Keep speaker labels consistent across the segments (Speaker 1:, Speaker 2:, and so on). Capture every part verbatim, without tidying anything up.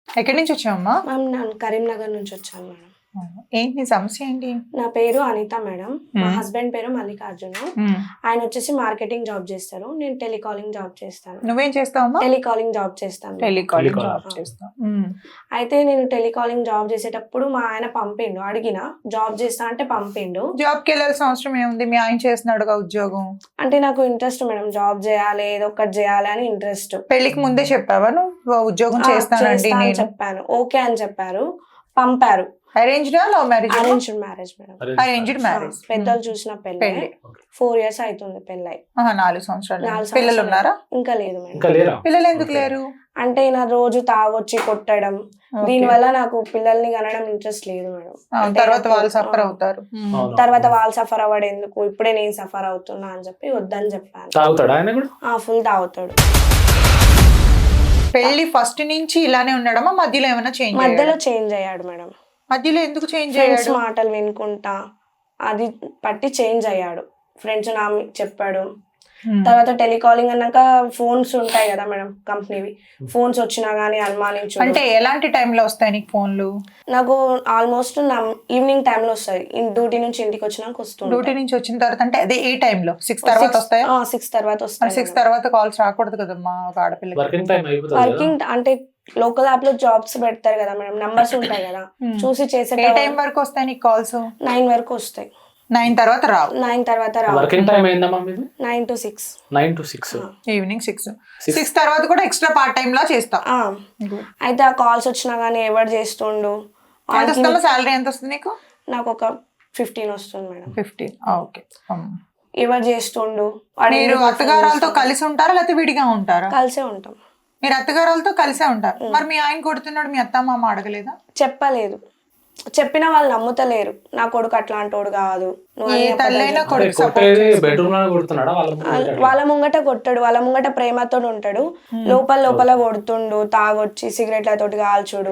Speaker 1: ఎక్కడి నుంచి వచ్చావమ్మా?
Speaker 2: మ్యామ్ నేను కరీంనగర్ నుంచి వచ్చాను మేడం.
Speaker 1: ఏంటి నీ సమస్య ఏంటి?
Speaker 2: నా పేరు అనిత మేడం. మా
Speaker 1: మ్మ్.
Speaker 2: హస్బెండ్ పేరు మల్లికార్జున.
Speaker 1: మ్మ్.
Speaker 2: ఆయన వచ్చేసి మార్కెటింగ్ జాబ్ చేస్తారు, నేను టెలికాలింగ్ జాబ్ చేస్తాను.
Speaker 1: నువ్వేం చేస్తావమ్మా?
Speaker 2: టెలికాలింగ్ జాబ్ చేస్తాను.
Speaker 1: Telecalling
Speaker 3: Telecalling.
Speaker 1: జాబ్ చేస్తావు. మ్మ్.
Speaker 2: అయితే నేను టెలికాలింగ్ జాబ్ చేసేటప్పుడు మా ఆయన పంపిండు, అడిగిన జాబ్ చేస్తా అంటే పంపిండు.
Speaker 1: జాబ్కి వెళ్ళాల్సిన అవసరం ఏముంది? మీ ఆయన చేస్తున్నాడుగా ఉద్యోగం.
Speaker 2: అంటే నాకు ఇంట్రెస్ట్ మేడం, జాబ్ చేయాలి ఏదో ఒకటి చేయాలి అని ఇంట్రెస్ట్.
Speaker 1: పెళ్లికి ముందే చెప్పావా నువ్వు ఉద్యోగం చేస్తానండి నేను?
Speaker 2: చెప్పాను, ఓకే అని చెప్పారు, పంపారు.
Speaker 1: అరేంజ్డా love marriage?
Speaker 2: Arranged marriage madam.
Speaker 1: Arranged marriage.
Speaker 2: పెద్దలు చూసిన పెళ్ళి.
Speaker 1: పెళ్లి
Speaker 2: ఫోర్ ఇయర్స్ అవుతుంది పెళ్ళై.
Speaker 1: నాలుగు సంవత్సరాలు.
Speaker 2: నాలుగు
Speaker 1: పిల్లలు
Speaker 2: సంవత్సరాలు.
Speaker 1: ఉన్నారా?
Speaker 2: ఇంకా లేదు మేడం.
Speaker 3: ఇంకా లేరా?
Speaker 1: పిల్లలు ఎందుకు లేరు?
Speaker 2: అంటే నా రోజు తాగొచ్చి కొట్టడం,
Speaker 1: Okay.
Speaker 2: దీని వల్ల నాకు పిల్లల్ని కనడం ఇంట్రెస్ట్ లేదు మేడం.
Speaker 1: ఆ,
Speaker 2: అంటే
Speaker 1: తర్వాత
Speaker 2: నాకు-
Speaker 1: వాళ్ళు సఫర్
Speaker 2: ఆ,
Speaker 1: అవుతారు. మ్మ్.
Speaker 3: అవును.
Speaker 2: తర్వాత వాళ్ళు సఫర్ అవ్వడం ఎందుకు, ఇప్పుడే నేను సఫర్ అవుతున్నా అని చెప్పి వద్దని చెప్పాను.
Speaker 3: తాగుతాడా ఆయన కూడా?
Speaker 2: ఆ ఫుల్ తాగుతాడు.
Speaker 1: పెళ్లి ఫస్ట్ నుంచి ఇలానే ఉండడమా? మధ్యలో ఏమైనా చేంజ్?
Speaker 2: మధ్యలో చేంజ్ అయ్యాడు మేడం.
Speaker 1: మధ్యలో ఎందుకు చేంజ్
Speaker 2: ఫ్రెండ్స్
Speaker 1: అయ్యాడు?
Speaker 2: మాటలు వినుకుంటా అది పట్టి చేంజ్ అయ్యాడు. ఫ్రెండ్స్ నా చెప్పాడు.
Speaker 1: మ్మ్.
Speaker 2: తర్వాత టెలికాలింగ్ అన్నాక ఫోన్స్ ఉంటాయి కదా మేడం, కంపెనీవి ఫోన్స్ వచ్చినా గానీ అనుమానించు.
Speaker 1: అంటే ఎలాంటి టైంలో వస్తాయి నీకు ఫోన్లు?
Speaker 2: నాకు ఆల్మోస్ట్ నా ఈవినింగ్ టైంలో వస్తాయి, డ్యూటీ నుంచి ఇంటికి వచ్చినాక వస్తుంది.
Speaker 1: డ్యూటీ నుంచి వచ్చిన తర్వాత అంటే అదే ఏ టైంలో? సిక్స్ తర్వాత వస్తాయా?
Speaker 2: సిక్స్ తర్వాత వస్తాయి.
Speaker 1: సిక్స్ తర్వాత కాల్స్ రాకూడదు కదమ్మా ఒక ఆడపిల్లకి.
Speaker 3: వర్కింగ్ టైం అయిపోతుంది కదా?
Speaker 2: వర్కింగ్ అంటే లోకల్ యాప్ లో జాబ్స్ పెడతారు కదా మేడం, నంబర్స్ ఉంటాయి కదా,
Speaker 1: Hmm.
Speaker 2: చూసి చేసే
Speaker 1: ఏ టైం వరకు వస్తాయి నీకు కాల్స్?
Speaker 2: నైన్ వరకు వస్తాయి.
Speaker 1: నైన్ తర్వాత రావు.
Speaker 2: నైన్ తర్వాత రావు.
Speaker 3: వర్కింగ్ టైం అయిందమ్మా మీది?
Speaker 2: Nine to six.
Speaker 3: Nine to six
Speaker 1: evening six. Six తర్వాత కూడా ఎక్స్ట్రా పార్ట్ టైం లా చేస్తావు.
Speaker 2: అయితే ఆ కాల్స్ వచ్చినా గానీ ఎవరు చేస్తుండు.
Speaker 1: ఎంత వస్తుందో సాలరీ? ఎంత వస్తుంది నీకు?
Speaker 2: నాకు ఒక ఫిఫ్టీన్ వస్తుంది మేడం.
Speaker 1: ఫిఫ్టీన్. ఓకే.
Speaker 2: ఎవరు చేస్తుండు. వాడు
Speaker 1: మీరు
Speaker 2: ఎందుకు
Speaker 1: అత్తగారాలతో కలిసి ఉంటారా లేకపోతే విడిగా ఉంటారా?
Speaker 2: కలిసే ఉంటాం.
Speaker 1: మీరు అత్తగారాలతో కలిసే ఉంటారు. మరి మీ ఆయన కొడుతున్నాడు, మీ అత్త మామ అడగలేదా?
Speaker 2: చెప్పలేదు, చెప్పినా వాళ్ళు నమ్ముతలేరు. నా కొడుకు అట్లాంటోడు కాదు, నువ్వు
Speaker 1: ఏ
Speaker 2: అన్ని
Speaker 1: తల్లైనా
Speaker 2: అబద్ధాలు
Speaker 1: కొడుకు
Speaker 3: కొట్టేది
Speaker 1: సపోర్ట్
Speaker 3: బెడ్రూమ్ లోనే కొడుతున్నాడా? వాళ్ళ ముందు
Speaker 2: చెప్పు.
Speaker 3: కొట్టాడా?
Speaker 2: వాళ్ళ ముంగట కొట్టాడు, వాళ్ళ ముంగట ప్రేమతో ఉంటాడు, లోపల లోపల కొడుతుండు, తాగొచ్చి సిగరెట్లతోటి కాల్చుడు,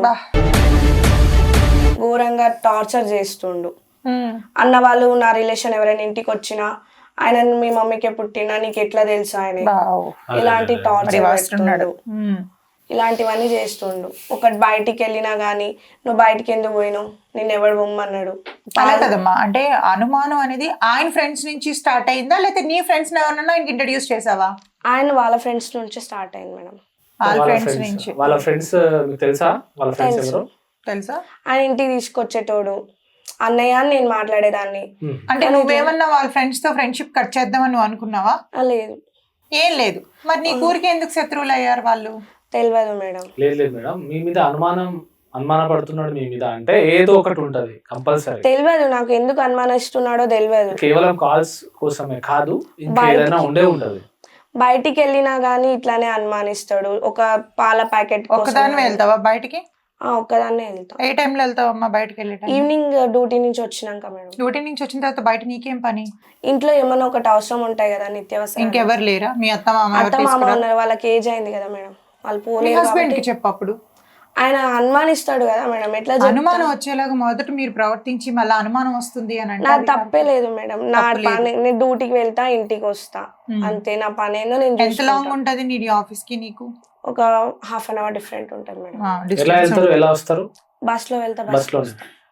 Speaker 2: ఘోరంగా టార్చర్ చేస్తుండు. అన్న వాళ్ళు నా రిలేషన్ ఎవరైనా ఇంటికి వచ్చినా ఆయన మీ మమ్మీకే పుట్టినా నీకు ఎట్లా తెలుసు ఆయన, ఇలాంటి టార్చర్ పెడుతుండు, ఇలాంటివన్నీ చేస్తుండు. ఒకటి బయటికి వెళ్ళినా గానీ నువ్వు బయటికి ఎందుకు పోయినావు, నిన్ను ఎవడు బొమ్మన్నాడు.
Speaker 1: అలా కదమ్మా, అంటే అనుమానం అనేది ఆయన ఫ్రెండ్స్ నుంచి స్టార్ట్ అయిందా లేకపోతే నీ ఫ్రెండ్స్ ఎవరన్నా ఆయనకి ఇంట్రడ్యూస్ చేసావా?
Speaker 2: ఆయన వాళ్ళ ఫ్రెండ్స్ నుంచి స్టార్ట్ అయింది మేడం.
Speaker 1: వాళ్ళ
Speaker 3: వాళ్ళ
Speaker 1: ఫ్రెండ్స్
Speaker 3: ఫ్రెండ్స్
Speaker 1: నుంచి
Speaker 3: వాళ్ళ ఫ్రెండ్స్ మీకు తెలుసా? వాళ్ళ ఫ్రెండ్స్
Speaker 2: తెలుసు.
Speaker 3: ఎవరు?
Speaker 1: తెలుసా?
Speaker 2: ఆయన ఇంటికి తీసుకొచ్చేటోడు, అన్నయ్య అని నేను మాట్లాడేదాన్ని.
Speaker 3: Hmm.
Speaker 1: అంటే నువ్వేమన్నా వాళ్ళ ఫ్రెండ్స్ తో ఫ్రెండ్షిప్ కట్ చేద్దామని నువ్వు అనుకున్నావా?
Speaker 2: ఆ, లేదు,
Speaker 1: ఏం లేదు. మరి నీ ఊరికి ఎందుకు శత్రువులు అయ్యారు వాళ్ళు?
Speaker 2: తెలియదు మేడం.
Speaker 3: లేదు లేదు మేడం, మీ మీద అనుమానం అనుమాన పడుతున్నాడు మీ మీద అంటే ఏదో ఒకటి ఉంటది కంపల్సరీ.
Speaker 2: తెలియదు నాకు ఎందుకు అనుమానిస్తున్నాడో తెలియదు.
Speaker 3: కేవలం కాల్స్ కోసమే కాదు, ఇంకేదైనా ఉండే ఉంటది.
Speaker 2: బయటికి వెళ్ళినా గానీ ఇట్లానే అనుమానిస్తాడు. ఒక పాల ప్యాకెట్
Speaker 1: ఒక్కదాని వెళ్తావా బయటికి?
Speaker 2: ఒక్కదాన్నే వెళ్తా.
Speaker 1: ఏ టైంలో వెళ్తావమ్మా బయటకు వెళ్ళే టైం?
Speaker 2: ఈవినింగ్ డ్యూటీ నుంచి వచ్చినాక మేడం.
Speaker 1: డ్యూటీ నుంచి వచ్చిన తర్వాత బయట నీకేం పని?
Speaker 2: ఇంట్లో ఏమన్నా ఒకటి అవసరం ఉంటాయి కదా నిత్యావసరం.
Speaker 1: ఇంకెవరు లేరా? మీ అత్త మామ ఎవరు
Speaker 2: అత్త మామ
Speaker 1: తీసుకురా?
Speaker 2: ఉన్నారు, వాళ్ళకి ఏజ్ అయింది కదా మేడం, వాళ్ళు
Speaker 1: మీ
Speaker 2: పోలేదు
Speaker 1: హస్బెండ్
Speaker 2: కాబట్టి
Speaker 1: కి చెప్పు. అప్పుడు
Speaker 2: ఆయన అనుమానిస్తాడు కదా మేడం, ఎట్లా చెప్తా?
Speaker 1: అనుమానం వచ్చేలాగా మొదట మీరు ప్రవర్తించి మళ్ళీ అనుమానం వస్తుంది అని అంటే
Speaker 2: నాకు
Speaker 1: అది
Speaker 2: తప్పే లేదు మేడం. నా
Speaker 1: తప్పు లేదు.
Speaker 2: పని, నేను డ్యూటీకి వెళ్తా ఇంటికి వస్తా,
Speaker 1: Hmm.
Speaker 2: అంతే. నా పని ఏందో నేను
Speaker 1: ఎంత లాంగ్
Speaker 2: చూసుకుంటా.
Speaker 1: ఉంటది నీ ఆఫీస్ కి నీకు?
Speaker 2: ఒక హాఫ్ అన్ అవర్ డిఫరెంట్ ఉంటుంది మేడం.
Speaker 1: ఆ,
Speaker 3: ఎలా
Speaker 1: distance
Speaker 3: వెళ్తారు?
Speaker 1: ఉంటుంది.
Speaker 3: ఎలా వస్తారు?
Speaker 2: బస్ లో వెళ్తా,
Speaker 3: బస్ లో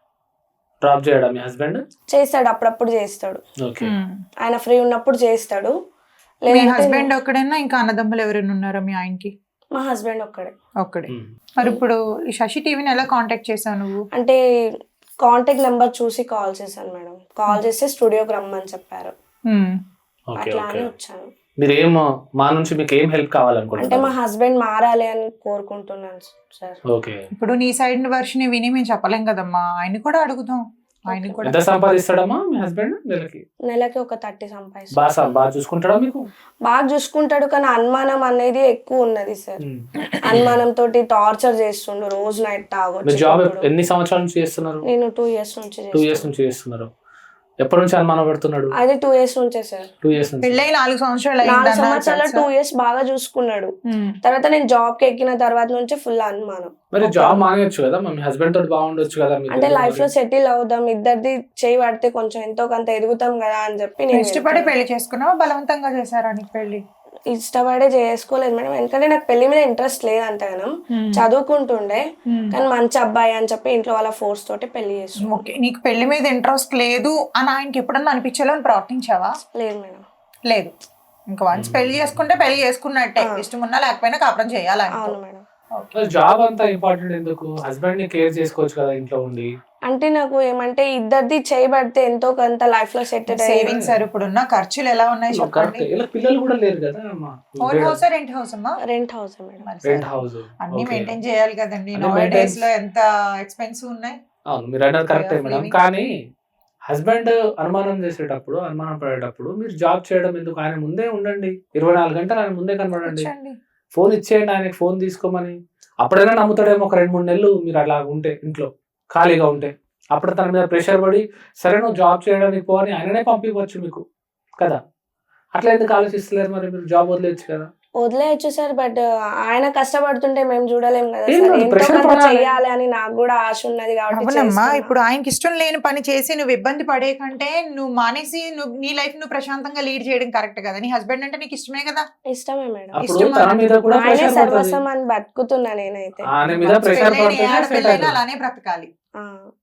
Speaker 3: డ్రాప్ చేయడా మీ హస్బెండ్?
Speaker 2: చేస్తాడు, అప్పుడప్పుడు చేస్తాడు.
Speaker 3: ఓకే.
Speaker 1: ఉమ్.
Speaker 2: ఆయన ఫ్రీ ఉన్నప్పుడు చేస్తాడు.
Speaker 1: మీ
Speaker 2: లేదంటే
Speaker 1: హస్బెండ్ ఒక్కడైనా ఇంకా అన్నదమ్ములు ఎవరైనా ఉన్నారా మీ ఆయనకి?
Speaker 2: మా హస్బెండ్ ఒక్కడే.
Speaker 1: ఒక్కడే. మరి ఇప్పుడు ఈ శశి టీవీని ఎలా కాంటాక్ట్ చేసావు నువ్వు?
Speaker 2: అంటే కాంటాక్ట్ నెంబర్ చూసి కాల్ చేశాను మేడం. కాల్ చేస్తే స్టూడియోకి రమ్మని చెప్పారు,
Speaker 1: ఉమ్.
Speaker 3: ఓకే
Speaker 2: అట్లా
Speaker 3: ఓకే.
Speaker 2: అని వచ్చాను.
Speaker 3: మీరు ఏం మా నుంచి మీకు ఏం హెల్ప్
Speaker 2: అంటే
Speaker 3: కావాలనుకుంటున్నారు?
Speaker 2: మా హస్బెండ్ మారాలి అని కోరుకుంటున్నాను సార్.
Speaker 3: ఓకే.
Speaker 1: ఇప్పుడు నీ సైడ్ వర్షన్ విని మేము చెప్పలేం కదమ్మా, ఆయన కూడా అడుగుదాం. ఆయన కూడా
Speaker 3: ఎంత సంపాదిస్తాడమ్మా మీ హస్బెండ్ నెలకి?
Speaker 2: నెలకి ఒక థర్టీ సంపాదిస్తాడు.
Speaker 3: బాగా సం- బాగా చూసుకుంటాడా మీకు?
Speaker 2: బాగా చూసుకుంటాడు, కానీ అనుమానం అనేది ఎక్కువ ఉన్నది సార్.
Speaker 3: ఉమ్.
Speaker 2: అనుమానం తోటి టార్చర్ చేస్తుండు, రోజు నైట్
Speaker 3: మీరు
Speaker 2: తాగొచ్చి
Speaker 3: జాబ్
Speaker 2: కొట్టుడు.
Speaker 3: ఎన్ని సంవత్సరాల నుంచి చేస్తున్నారు?
Speaker 2: నేను టూ ఇయర్స్ నుంచి
Speaker 3: టూ ఇయర్స్
Speaker 2: చేస్తాను.
Speaker 3: నుంచి చేస్తున్నారు. ఎప్పటి నుంచి అనుమానం పడుతున్నాడు?
Speaker 2: అదే టూ ఇయర్స్ నుంచే సార్.
Speaker 3: టూ ఇయర్స్ నుంచి.
Speaker 1: పెళ్ళై నాలుగు సంవత్సరాలు
Speaker 2: నాలుగు
Speaker 1: అయిందన్నారు
Speaker 2: సంవత్సరాలు
Speaker 1: తెలుసా?
Speaker 2: టూ ఇయర్స్ బాగా చూసుకున్నాడు.
Speaker 1: ఉమ్.
Speaker 2: తర్వాత నేను జాబ్ కి ఎక్కిన తర్వాత నుంచి ఫుల్ అనుమానం.
Speaker 3: మరి జాబ్ మానేయచ్చు కదా, మీ హస్బెండ్ తోటి బాగుండొచ్చు కదా మీరు.
Speaker 2: అంటే లైఫ్ లో సెటిల్ అవుదాం, ఇద్దరిది చేయి పడితే కొంచెం ఎంతో కొంత ఎదుగుతాం కదా అని చెప్పి నేను
Speaker 1: ఇష్టపడి పెళ్లి చేసుకున్నావా బలవంతంగా చేశారా నీకు పెళ్లి?
Speaker 2: ఇష్టపడే చేసుకోలేదు మేడం, ఎందుకంటే నాకు పెళ్లి మీద ఇంట్రెస్ట్ లేదంటే మనం చదువుకుంటుండే, కానీ మంచి అబ్బాయి అని చెప్పి ఇంట్లో వాళ్ళ ఫోర్స్ తోటి పెళ్లి చేసుకున్నాం.
Speaker 1: ఓకే, నీకు పెళ్లి మీద ఇంట్రెస్ట్ లేదు అని ఆయనకి ఎప్పుడన్నా అనిపించాలో అని ప్రవర్తించావా?
Speaker 2: లేదు మేడం.
Speaker 1: లేదు, ఇంకా వన్స్ పెళ్లి చేసుకుంటే పెళ్లి చేసుకున్నట్టే, ఇష్టం ఉన్నా లేకపోయినా కాపురం చేయాలి.
Speaker 2: అవును మేడం.
Speaker 3: జాబ్ అంతా ఇంపార్టెంట్ ఎందుకు? హస్బెండ్ ని కేర్ చేసుకోవచ్చు కదా ఇంట్లో ఉండి.
Speaker 2: అంటే నాకు ఏమంటే ఇద్దరిది చేయబడితే ఎంతో కొంత లైఫ్ లో సెట్
Speaker 1: సేవింగ్స్ ఇప్పుడున్న ఖర్చులు ఎలా ఉన్నాయి చెప్పండి.
Speaker 3: ఇలా పిల్లలు కూడా లేరు కదా అమ్మా.
Speaker 1: ఓన్ హౌస్ రెంట్ హౌస్ అమ్మా?
Speaker 2: Rent house madam.
Speaker 3: Rent house
Speaker 1: అన్ని మెయింటైన్ చేయాలి కదండి, నో డేస్ లో ఎంత ఎక్స్పెన్సివ్ ఉన్నాయి.
Speaker 3: అవును, మీరు అన్నది కరెక్టే మేడం. కానీ హస్బెండ్ అనుమానం చేసేటప్పుడు, అనుమానం పడేటప్పుడు మీరు జాబ్ చేయడం ఎందుకు? ఆయన ముందే ఉండండి, ఇరవై నాలుగు గంటలు ఆయన ముందే కనబడండి, ఫోన్ ఇచ్చేయండి ఆయనకి, ఫోన్ తీసుకోమని. అప్పుడైనా నమ్ముతాడేమో ఒక రెండు మూడు నెలలు మీరు అలా ఉంటే, ఇంట్లో ఖాళీగా ఉంటే. అప్పుడు తన మీద ప్రెషర్ పడి సరే నువ్వు జాబ్ చేయడానికి పో అని ఆయననే పంపించవచ్చు మీకు కదా. అట్లా ఎందుకు ఆలోచిస్తలేరు మరి? మీరు జాబ్ వదిలేయచ్చు కదా.
Speaker 2: వదిలేయచ్చు సార్, బట్ ఆయన కష్టపడుతుంటే మేము చూడలేం కదా
Speaker 3: ఏం
Speaker 2: సార్.
Speaker 3: లేదు,
Speaker 2: ఎంతో
Speaker 3: pressure
Speaker 2: కొంత
Speaker 3: పడాలి.
Speaker 2: చెయ్యాలి అని నాకు కూడా ఆశ ఉన్నది కాబట్టి
Speaker 1: అవునమ్మా,
Speaker 2: చేస్తున్నా.
Speaker 1: ఇప్పుడు ఆయనకి ఇష్టం లేని పని చేసి నువ్వు ఇబ్బంది పడే కంటే నువ్వు మానేసి నువ్వు నీ లైఫ్ నువ్వు ప్రశాంతంగా లీడ్ చేయడం కరెక్ట్ కదా. నీ హస్బెండ్ అంటే నీకు ఇష్టమే కదా.
Speaker 2: ఇష్టమే మేడం.
Speaker 3: అప్పుడు
Speaker 1: ఇష్టం
Speaker 3: తన మీద కూడా
Speaker 2: ఆయనే
Speaker 3: ప్రెషర్ పడుతుంది.
Speaker 2: సర్వస్వం అని బతుకుతున్నా నేనైతే.
Speaker 3: ఆయన మీద ప్రెషర్
Speaker 1: పెళ్ళైన ఏ
Speaker 3: పడుతుంది.
Speaker 1: ఆడపిల్లైనా అలానే బ్రతకాలి.
Speaker 2: ఆ.